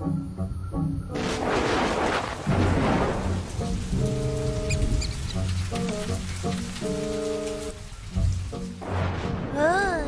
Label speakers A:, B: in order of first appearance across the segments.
A: Ay.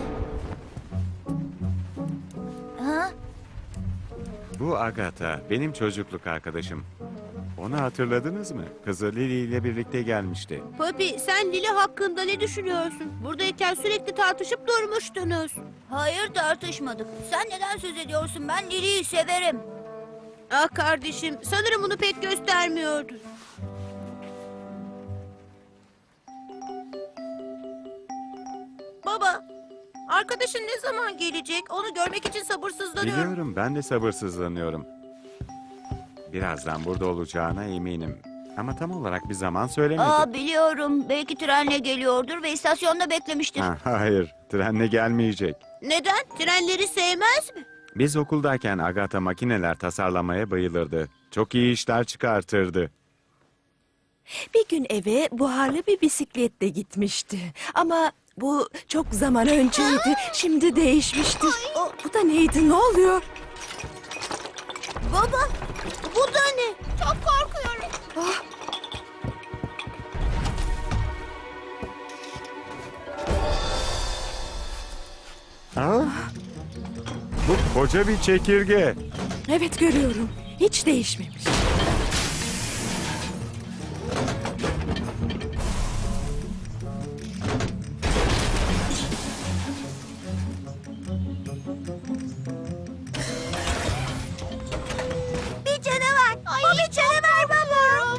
A: Ha?
B: Bu Agatha, benim çocukluk arkadaşım. Onu hatırladınız mı? Kızı Lily ile birlikte gelmişti.
C: Poppy, sen Lili hakkında ne düşünüyorsun? Buradayken sürekli tartışıp durmuştunuz.
A: Hayır, tartışmadık. Sen neden söz ediyorsun? Ben Lili'yi severim.
C: Ah kardeşim, sanırım bunu pek göstermiyordu. Baba, arkadaşın ne zaman gelecek? Onu görmek için sabırsızlanıyorum.
B: Biliyorum, ben de sabırsızlanıyorum. Birazdan burada olacağına eminim. Ama tam olarak bir zaman söylemedi.
A: Aa, biliyorum. Belki trenle geliyordur ve istasyonda beklemiştir.
B: Ha, hayır, trenle gelmeyecek.
C: Neden? Trenleri sevmez mi?
B: Biz okuldayken Agatha makineler tasarlamaya bayılırdı. Çok iyi işler çıkartırdı.
D: Bir gün eve buharlı bir bisikletle gitmişti. Ama bu çok zaman önceydi. Şimdi değişmiştir. Bu da neydi? Ne oluyor?
C: Baba, bu da ne? Çok korkuyorum.
B: Ha? Bu koca bir çekirge.
D: Evet, görüyorum. Hiç değişmemiş.
A: Bir canavar. Bu bir canavar baba.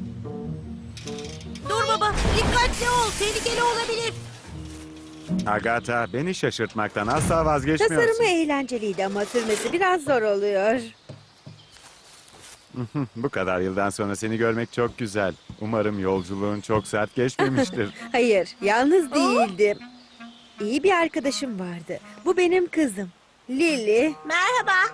C: Dur baba, dikkatli ol. Tehlikeli olabilir.
B: Agatha, beni şaşırtmaktan asla vazgeçmiyorsun.
E: Tasarımı eğlenceliydi ama sürmesi biraz zor oluyor.
B: Bu kadar yıldan sonra seni görmek çok güzel. Umarım yolculuğun çok sert geçmemiştir.
E: Hayır, yalnız değildim. İyi bir arkadaşım vardı. Bu benim kızım. Lily.
C: Merhaba.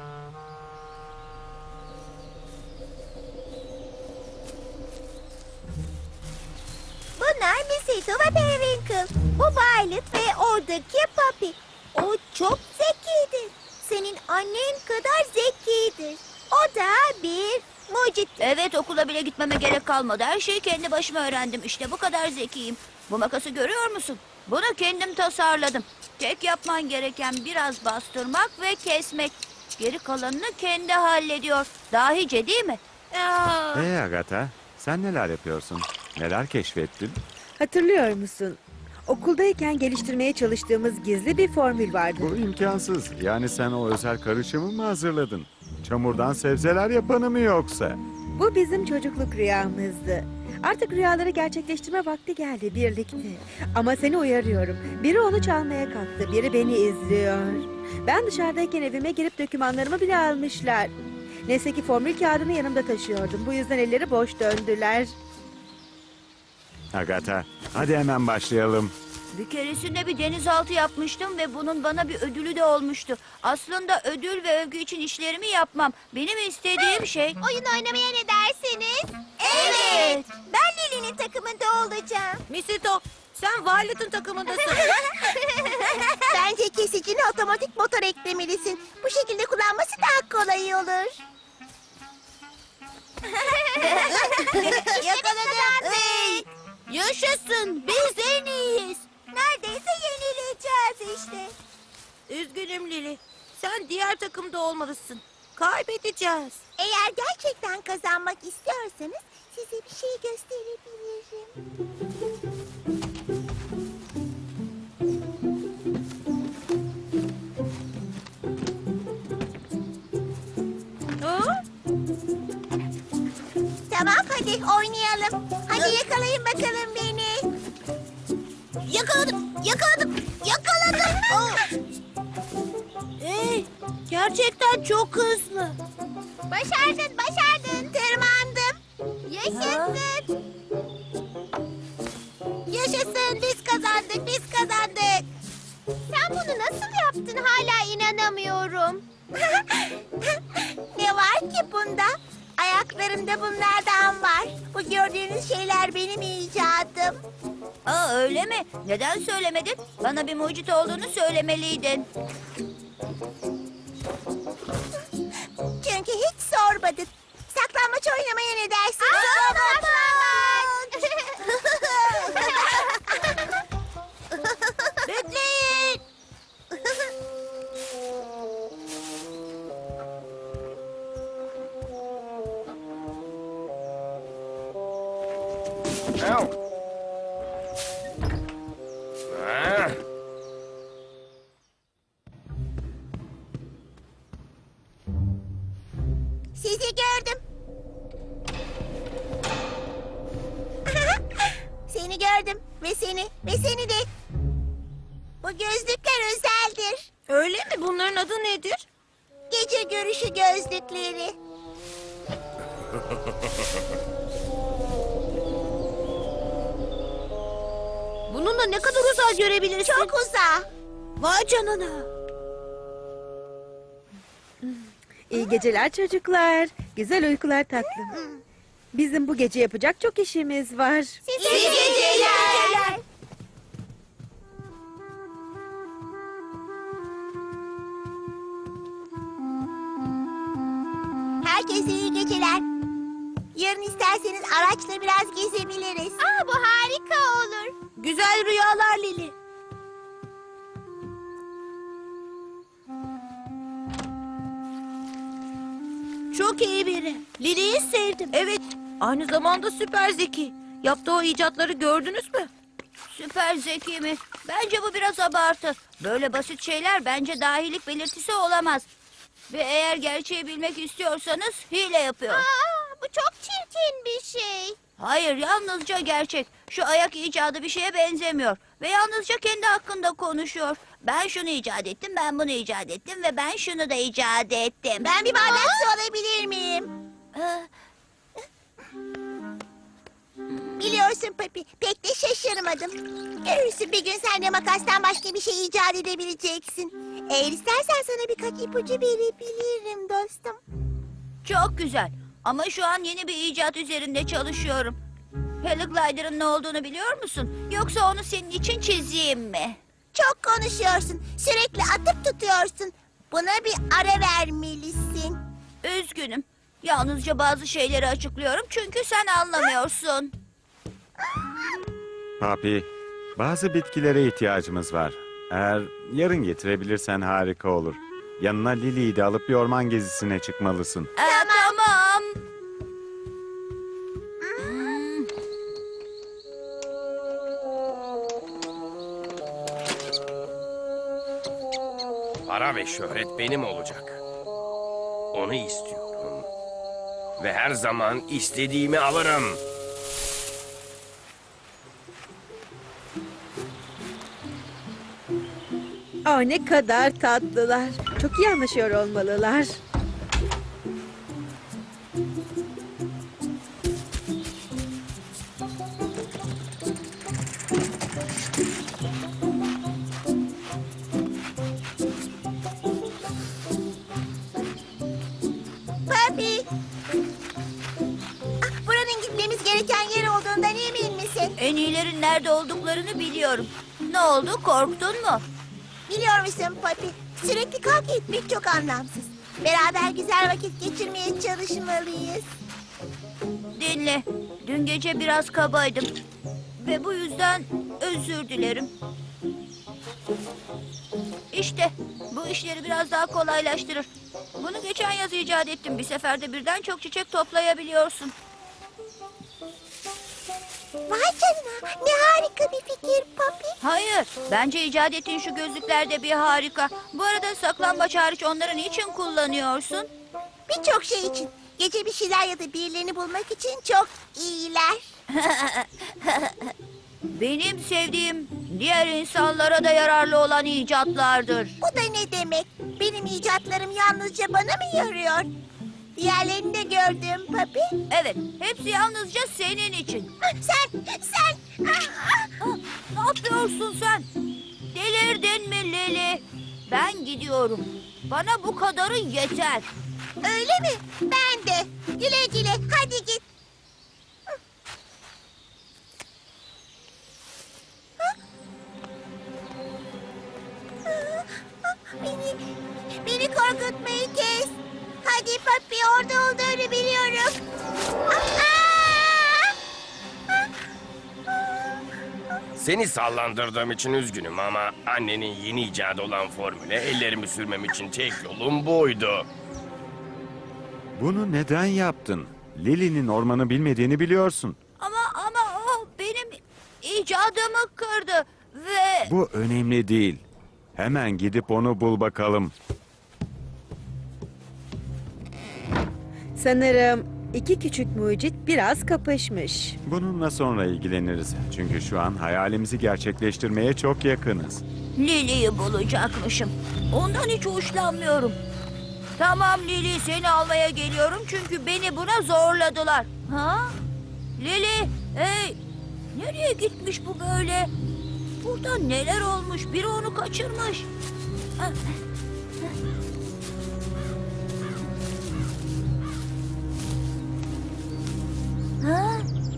A: Bunlar Missy ve Periwinkle. Bu Violet ve oradaki Poppy. O çok zekidir. Senin annen kadar zekidir. O da bir mucit. Evet, okula bile gitmeme gerek kalmadı. Her şeyi kendi başıma öğrendim. İşte bu kadar zekiyim. Bu makası görüyor musun? Bunu kendim tasarladım. Tek yapman gereken biraz bastırmak ve kesmek. Geri kalanını kendi hallediyor. Dahice değil mi?
C: Aa,
B: Agatha, sen neler yapıyorsun? Neler keşfettin?
E: Hatırlıyor musun? Okuldayken geliştirmeye çalıştığımız gizli bir formül vardı.
B: Bu imkansız. Yani sen o özel karışımı mı hazırladın? Çamurdan sebzeler yapanı mı yoksa?
E: Bu bizim çocukluk rüyamızdı. Artık rüyaları gerçekleştirme vakti geldi birlikte. Ama seni uyarıyorum. Biri onu çalmaya kalktı, biri beni izliyor. Ben dışarıdayken evime girip dokümanlarımı bile almışlar. Neyse ki formül kağıdını yanımda taşıyordum. Bu yüzden elleri boş döndüler.
B: Agatha, hadi hemen başlayalım.
A: Bir keresinde bir denizaltı yapmıştım ve bunun bana bir ödülü de olmuştu. Aslında ödül ve övgü için işlerimi yapmam. Benim istediğim şey... Oyun oynamaya ne dersiniz? Evet. Ben Lili'nin takımında olacağım.
C: Misito, sen Violet'ın takımındasın.
A: Bence kesicine otomatik motor eklemelisin. Bu şekilde kullanması daha kolay olur. Yakaladım.
C: Yaşasın, biz en iyiyiz.
A: Neredeyse yenileceğiz işte.
C: Üzgünüm Lili. Sen diğer takımda olmalısın. Kaybedeceğiz.
A: Eğer gerçekten kazanmak istiyorsanız size bir şey gösterebilirim.
C: Ha?
A: Tamam, hadi oynayalım. Hadi yakalayın bakalım beni. Yakaladım, yakaladım, yakaladım.
C: Hey, gerçekten çok hızlı.
A: Başardın, başardın. Tırmandım. Yaşasın. Yaşasın, biz kazandık, biz kazandık. Sen bunu nasıl yaptın, hala inanamıyorum. Ne var ki bunda? Ayaklarımda bunlardan var. Bu gördüğünüz şeyler benim icadım. Aa, öyle mi? Neden söylemedin? Bana bir mucit olduğunu söylemeliydin.
F: Ah,
A: Sizi gördüm. Seni gördüm ve seni de. Bu gözlükler özeldir.
C: Öyle mi? Bunların adı nedir?
A: Gece görüşü gözlükleri.
C: Bununla ne kadar uzağa görebilirsin?
A: Çok uzağa.
C: Vay canına.
E: İyi geceler çocuklar. Güzel uykular tatlım. Bizim bu gece yapacak çok işimiz var.
A: İyi geceler. Herkese iyi geceler. Yarın isterseniz araçla biraz gezebiliriz. Bu harika olur.
C: Güzel rüyalar Lili. Çok iyi biri. Lili'yi sevdim. Evet. Aynı zamanda süper zeki. Yaptığı o icatları gördünüz mü? Süper zeki mi? Bence bu biraz abartı. Böyle basit şeyler bence dahilik belirtisi olamaz. Ve eğer gerçeği bilmek istiyorsanız hile yapıyor.
A: Bu çok çirkin bir şey.
C: Hayır, yalnızca gerçek. Şu ayak icadı bir şeye benzemiyor. Ve yalnızca kendi hakkında konuşuyor. Ben şunu icat ettim, ben bunu icat ettim ve ben şunu da icat ettim.
A: Ben bir bardak su alabilir miyim? Biliyorsun Papi, pek de şaşırmadım. Görürsün bir gün sen de makastan başka bir şey icat edebileceksin. Eğer istersen sana birkaç ipucu verebilirim dostum.
C: Çok güzel. Ama şu an yeni bir icat üzerinde çalışıyorum. Heliglider'ın ne olduğunu biliyor musun? Yoksa onu senin için çizeyim mi?
A: Çok konuşuyorsun, sürekli atıp tutuyorsun. Buna bir ara vermelisin.
C: Üzgünüm. Yalnızca bazı şeyleri açıklıyorum çünkü sen anlamıyorsun.
B: Papi, bazı bitkilere ihtiyacımız var. Eğer yarın getirebilirsen harika olur. Yanına Lili'yi de alıp bir orman gezisine çıkmalısın.
C: Tamam.
F: para ve şöhret benim olacak. Onu istiyorum. Ve her zaman istediğimi alırım.
E: Ne kadar tatlılar. Çok iyi anlaşıyor olmalılar.
A: Papi. Buranın gitmemiz gereken yer olduğundan emin misin?
C: En iyilerin nerede olduklarını biliyorum. Ne oldu, korktun mu?
A: Biliyor musun Papi? Sürekli kavga etmek çok anlamsız. Beraber güzel vakit geçirmeye çalışmalıyız.
C: Dinle, dün gece biraz kabaydım. Ve bu yüzden özür dilerim. İşte, bu işleri biraz daha kolaylaştırır. Bunu geçen yaz icat ettim. Bir seferde birden çok çiçek toplayabiliyorsun.
A: Vay canına, ne harika bir fikir Papi.
C: Hayır, bence icat ettiğin şu gözlükler de bir harika. Bu arada saklambaç hariç onları niçin kullanıyorsun?
A: Birçok şey için. Gece bir şeyler ya da birilerini bulmak için çok iyiler.
C: Benim sevdiğim diğer insanlara da yararlı olan icatlardır.
A: Bu da ne demek? Benim icatlarım yalnızca bana mı yarıyor? Diğerlerini de gördüm Papi.
C: Evet, hepsi yalnızca senin için.
A: Sen.
C: Ne yapıyorsun sen? Delirdin mi Lili? Ben gidiyorum. Bana bu kadarı yeter.
A: Öyle mi? Ben de. Güle güle, hadi git. Beni korkutmayı kes. Hadi Papi, orada olduğunu biliyorum.
F: Seni sallandırdığım için üzgünüm ama annenin yeni icadı olan formüle ellerimi sürmem için tek yolum buydu.
B: Bunu neden yaptın? Lili'nin ormanı bilmediğini biliyorsun.
C: Ama o icadımı kırdı ve...
B: Bu önemli değil. Hemen gidip onu bul bakalım.
E: Sanırım iki küçük mucit biraz kapışmış.
B: Bununla sonra ilgileniriz. Çünkü şu an hayalimizi gerçekleştirmeye çok yakınız.
C: Lili'yi bulacakmışım. Ondan hiç hoşlanmıyorum. Tamam Lili, seni almaya geliyorum çünkü beni buna zorladılar. Ha? Lili, hey! Nereye gitmiş bu böyle? Burada neler olmuş? Biri onu kaçırmış. Ha? Ha?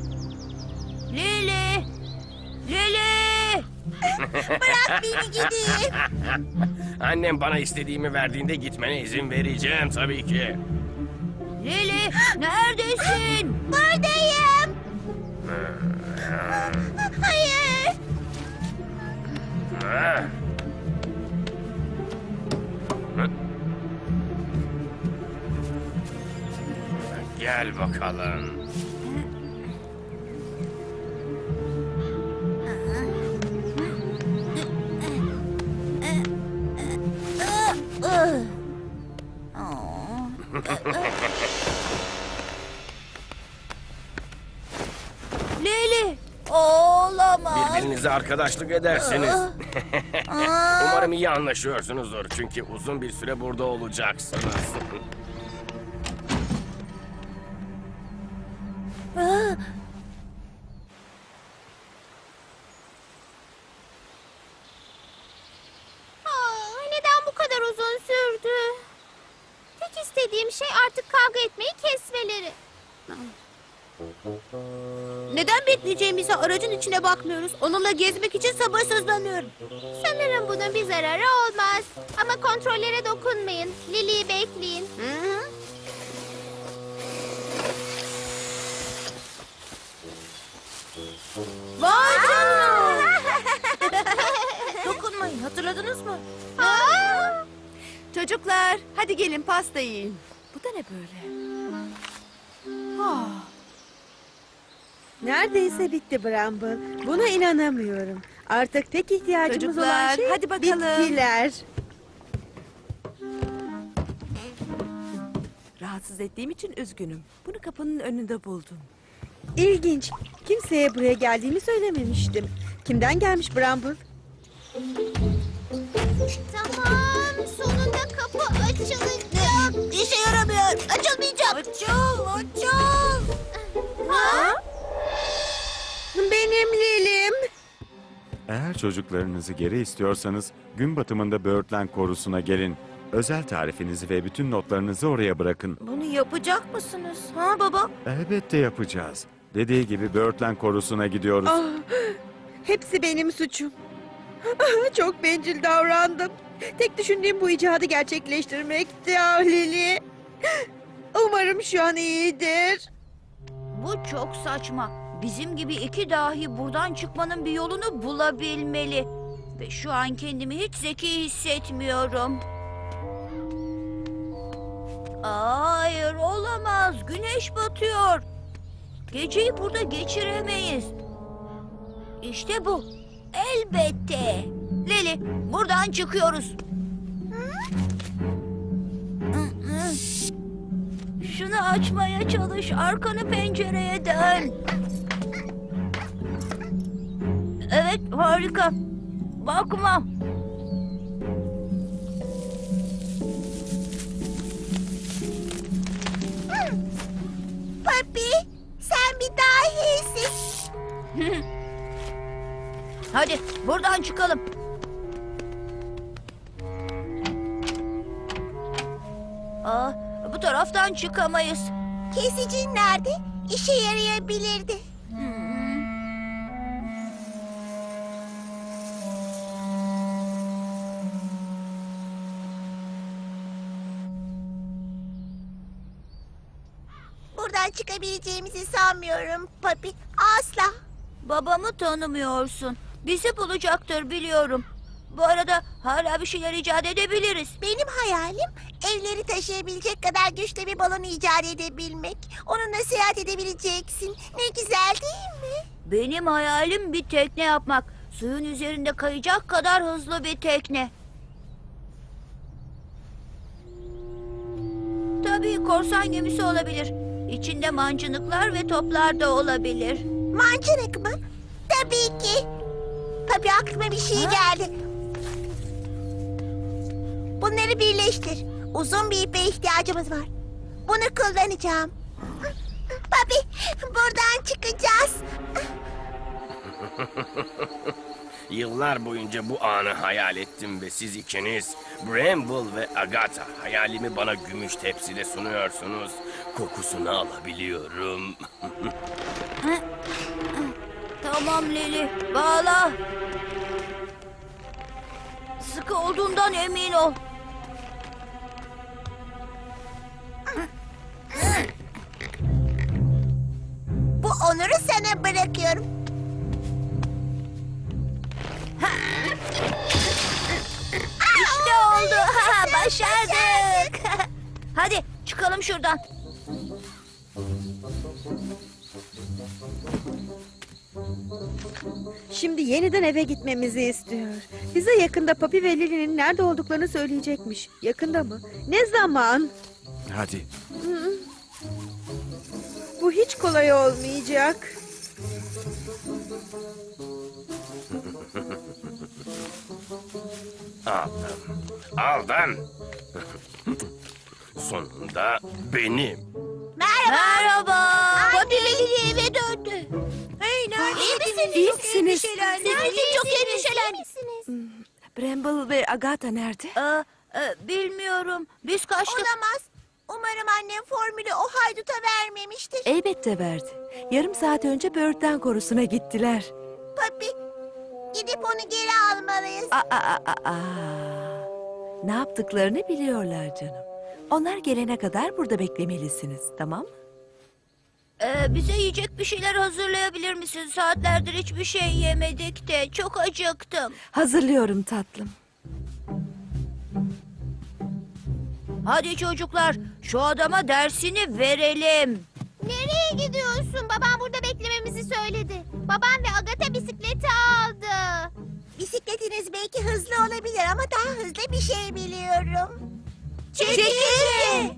C: Lili! Lili!
A: Bırak beni gideyim.
F: Annem bana istediğimi verdiğinde gitmene izin vereceğim tabii ki.
C: Lili, neredesin?
A: Buradayım. Hayır.
F: Ha? Gel bakalım.
C: Lili, olamaz.
F: Birbirinize arkadaşlık edersiniz. Umarım iyi anlaşıyorsunuzdur çünkü uzun bir süre burada olacaksınız.
A: Neden bu kadar uzun sürdü? Tek istediğim şey artık kavga etmeyi kesmeleri.
C: Neden bekleyeceğimize aracın içine bakmıyoruz? Onunla gezmek için sabırsızlanıyorum.
A: Sanırım bunun bir zararı olmaz. Ama kontrollere dokunmayın. Lili'yi bekleyin.
C: Vay canına! Dokunmayın, hatırladınız mı?
D: Çocuklar, hadi gelin pasta yiyin. Bu da ne böyle?
E: Neredeyse bitti Bramble. Buna inanamıyorum. Artık tek ihtiyacımız olan
D: Çocuklar,
E: şey
D: hadi bakalım.
E: bitkiler.
D: Rahatsız ettiğim için üzgünüm. Bunu kapının önünde buldum.
E: İlginç. Kimseye buraya geldiğimi söylememiştim. Kimden gelmiş Bramble?
A: Tamam, sonunda kapı açılacak.
C: İşe yaramıyor. Açılmayacak. Açıl.
A: Ha?
E: Benim Lilim.
B: Eğer çocuklarınızı geri istiyorsanız gün batımında Birdland korusuna gelin. Özel tarifinizi ve bütün notlarınızı oraya bırakın.
C: Bunu yapacak mısınız? Ha baba?
B: Elbette yapacağız. Dediği gibi Birdland korusuna gidiyoruz.
E: Ah, hepsi benim suçum. Çok bencil davrandım. Tek düşündüğüm bu icadı gerçekleştirmekti Lili. Umarım şu an iyidir.
C: Bu çok saçma. Bizim gibi iki dahi buradan çıkmanın bir yolunu bulabilmeli. Ve şu an kendimi hiç zeki hissetmiyorum. Hayır, olamaz. Güneş batıyor. Geceyi burada geçiremeyiz. İşte bu. Elbette. Lili, buradan çıkıyoruz. Şunu açmaya çalış. Arkanı pencereye dön. Evet, harika. Bakma.
A: Papi, sen bir dahisin.
C: Hadi buradan çıkalım. Bu taraftan çıkamayız.
A: Kesicin nerede? İşe yarayabilirdi. Buradan çıkabileceğimizi sanmıyorum Papi. Asla.
C: Babamı tanımıyorsun. Bizi bulacaktır biliyorum. Bu arada hala bir şeyler icat edebiliriz.
A: Benim hayalim evleri taşıyabilecek kadar güçlü bir balon icat edebilmek. Onunla seyahat edebileceksin. Ne güzel değil mi?
C: Benim hayalim bir tekne yapmak. Suyun üzerinde kayacak kadar hızlı bir tekne. Tabii korsan gemisi olabilir. İçinde mancınıklar ve toplar da olabilir.
A: Mancınık mı? Tabii ki. Tabii aklıma bir şey geldi. Bunları birleştir. Uzun bir ipe ihtiyacımız var. Bunu kullanacağım. Papi, buradan çıkacağız.
F: Yıllar boyunca bu anı hayal ettim ve siz ikiniz, Bramble ve Agatha, hayalimi bana gümüş tepside sunuyorsunuz. Kokusunu alabiliyorum.
C: Tamam Lili, bağla. Sıkı olduğundan emin ol.
A: Bu onuru sana bırakıyorum.
C: İşte oldu. Başardık. Hadi çıkalım şuradan.
E: Şimdi yeniden eve gitmemizi istiyor. Bize yakında Papi ve Lili'nin nerede olduklarını söyleyecekmiş. Yakında mı? Ne zaman?
B: Hadi.
E: Bu hiç kolay olmayacak.
F: Aldım. Sonunda benim.
C: Merhaba.
A: Papi ve Lili eve döndü.
C: Hey,
A: İyi misiniz?
D: İyi misiniz?
A: Çok endişelenmişsiniz.
D: Bramble ve Agatha nerede?
C: Bilmiyorum. Biz kaçtık.
A: Olamaz. Umarım annem formülü o hayduta vermemiştir.
D: Elbette verdi. Yarım saat önce böğürtlen korusuna gittiler.
A: Papi, gidip onu geri almalıyız.
D: Aa. Ne yaptıklarını biliyorlar canım. Onlar gelene kadar burada beklemelisiniz, tamam mı?
C: Bize yiyecek bir şeyler hazırlayabilir misin? Saatlerdir hiçbir şey yemedik de çok acıktım.
D: Hazırlıyorum tatlım.
C: Hadi çocuklar şu adama dersini verelim.
A: Nereye gidiyorsun? Babam burada beklememizi söyledi. Babam ve Agatha bisikleti aldı. Bisikletiniz belki hızlı olabilir ama daha hızlı bir şey biliyorum. Çekilin!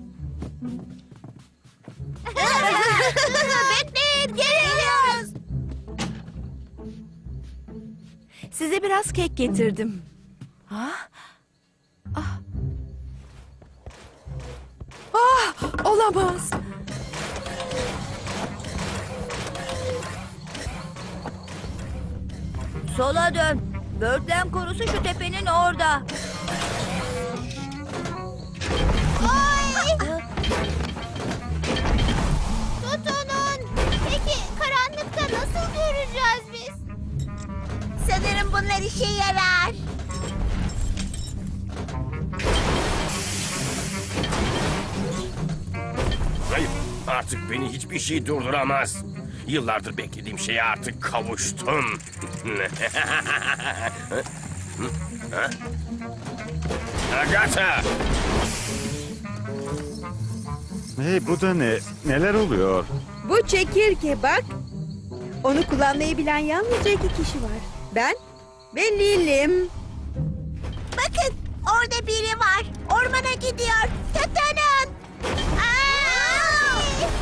A: Bekleyin, geliyoruz.
D: Size biraz kek getirdim. Olamaz.
C: Sola dön. Böğürtlen korusu şu tepenin orada.
A: Ay! Tutunun. Peki karanlıkta nasıl göreceğiz biz? Sanırım bunlar işe yarar.
F: Hayır, artık beni hiçbir şey durduramaz. Yıllardır beklediğim şeye artık kavuştum. Agatha!
B: Hey, bu da ne? Neler oluyor?
E: Bu çekirge bak. Onu kullanmayı bilen yalnızca 2 kişi var. Ben ve Lilim.
A: Bakın orada biri var. Ormana gidiyor. Tutunun. Ay!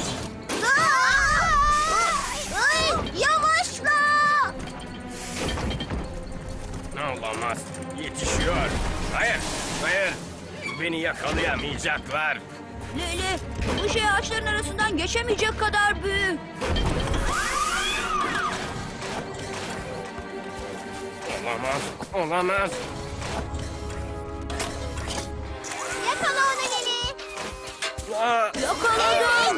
A: Ay! Yavaşla.
F: Olamaz, yetişiyor. Hayır, hayır. Beni yakalayamayacaklar.
C: Lili, bu şey ağaçların arasından geçemeyecek kadar büyük.
F: Olamaz, olamaz.
A: Yakala onu Lili.
F: Aa,
C: Yakaladım.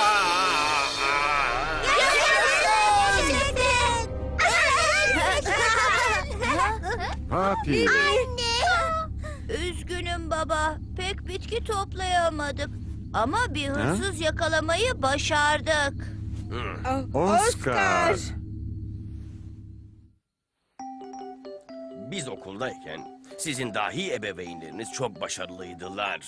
B: Papi.
C: Üzgünüm baba. Pek bitki toplayamadık. Ama bir hırsız yakalamayı başardık.
B: Oscar.
F: Biz okuldayken Sizin dahi ebeveynleriniz çok başarılıydılar.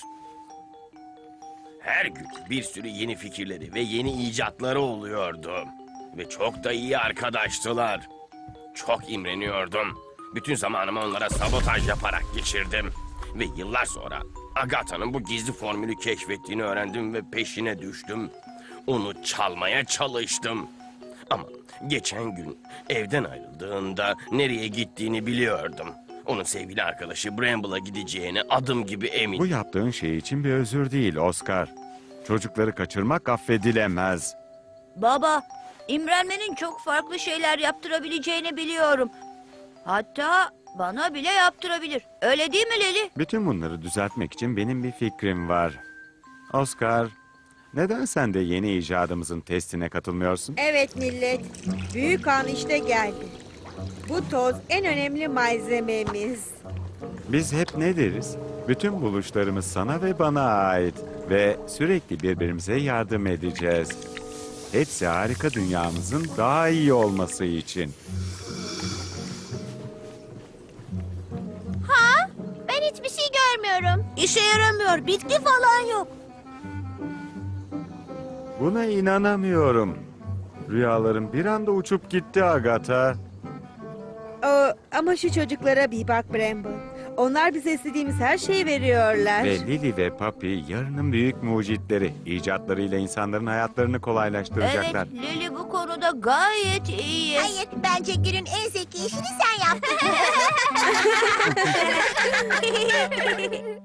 F: Her gün bir sürü yeni fikirleri ve yeni icatları oluyordu. Ve çok da iyi arkadaştılar. Çok imreniyordum. Bütün zamanımı onlara sabotaj yaparak geçirdim. Ve yıllar sonra Agatha'nın bu gizli formülü keşfettiğini öğrendim ve peşine düştüm. Onu çalmaya çalıştım. Ama geçen gün evden ayrıldığında nereye gittiğini biliyordum. Onun sevgili arkadaşı Bramble'a gideceğine adım gibi
B: Bu
F: eminim.
B: yaptığın şey için bir özür değil Oscar. Çocukları kaçırmak affedilemez.
C: Baba, imrenmenin çok farklı şeyler yaptırabileceğini biliyorum. Hatta bana bile yaptırabilir. Öyle değil mi Leli?
B: Bütün bunları düzeltmek için benim bir fikrim var. Oscar, neden sen de yeni icadımızın testine katılmıyorsun?
E: Evet millet, büyük an işte geldi. Bu toz en önemli malzememiz.
B: Biz hep ne deriz? Bütün buluşlarımız sana ve bana ait ve sürekli birbirimize yardım edeceğiz. Hepsi harika dünyamızın daha iyi olması için.
A: Ben hiçbir şey görmüyorum.
C: İşe yaramıyor. Bitki falan yok.
B: Buna inanamıyorum. Rüyalarım bir anda uçup gitti Agatha.
E: Ama şu çocuklara bir bak Bramble. Onlar bize istediğimiz her şeyi veriyorlar.
B: Ve Lily ve Papi yarının büyük mucitleri. İcatlarıyla insanların hayatlarını kolaylaştıracaklar.
C: Evet, Leli bu konuda gayet iyi.
A: Hayır, bence günün en zeki işini sen yaptın.